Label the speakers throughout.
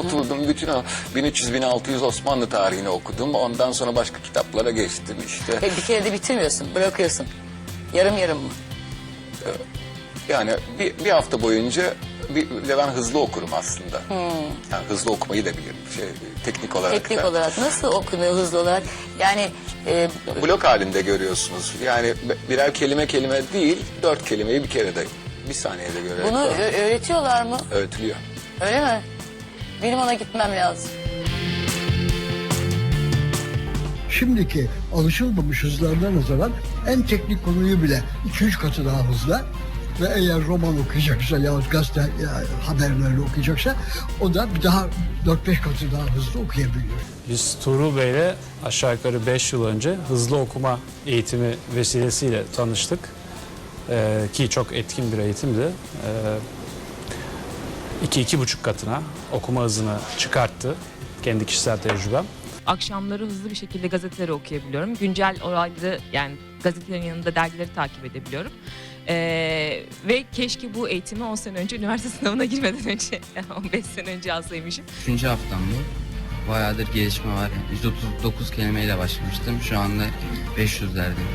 Speaker 1: Oturdum bütün o 1300-1600 Osmanlı tarihini okudum. Ondan sonra başka kitaplara geçtim işte.
Speaker 2: Bir kere de bitirmiyorsun, bırakıyorsun. Yarım yarım mı?
Speaker 1: Yani bir hafta boyunca ve ben hızlı okurum aslında. Yani hızlı okumayı da bilirim. Teknik olarak
Speaker 2: Teknik
Speaker 1: da.
Speaker 2: olarak nasıl okunuyor hızlı olarak? Yani
Speaker 1: Blok halinde görüyorsunuz. Yani birer kelime değil, 4 kelimeyi bir kerede, bir saniyede görerek.
Speaker 2: bunu öğretiyorlar mı?
Speaker 1: öğretiliyor.
Speaker 2: Öyle mi? Benim ona gitmem lazım.
Speaker 3: Şimdiki alışılmamış hızlarına nazaran en teknik konuyu bile 2-3 katı daha hızlı. Ve eğer roman okuyacaksa yahut gazete haberleri okuyacaksa o da bir daha 4-5 katı daha hızlı okuyabiliyor.
Speaker 4: Biz Tuğrul Bey'le aşağı yukarı 5 yıl önce hızlı okuma eğitimi vesilesiyle tanıştık. Ki çok etkin bir eğitimdi. 2-2,5 katına okuma hızını çıkarttı. Kendi kişisel tecrübem.
Speaker 5: Akşamları hızlı bir şekilde gazeteleri okuyabiliyorum. Güncel olayları, yani gazetelerin yanında dergileri takip edebiliyorum. Ve keşke bu eğitimi 10 sene önce, üniversite sınavına girmeden önce, 15 sene önce alsaymışım.
Speaker 6: 3. haftam bu. Bayağıdır gelişme var. 139 kelimeyle başlamıştım. Şu anda 500'lerdeyim.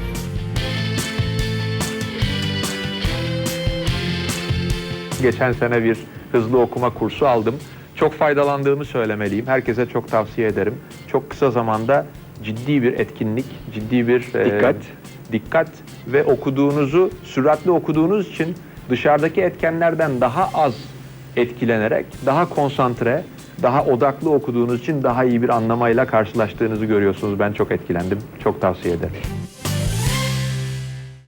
Speaker 7: Geçen sene bir hızlı okuma kursu aldım. Çok faydalandığımı söylemeliyim. Herkese çok tavsiye ederim. Çok kısa zamanda ciddi bir etkinlik, ciddi bir dikkat ve okuduğunuzu süratli okuduğunuz için dışarıdaki etkenlerden daha az etkilenerek, daha konsantre, daha odaklı okuduğunuz için daha iyi bir anlamayla karşılaştığınızı görüyorsunuz. Ben çok etkilendim. Çok tavsiye ederim.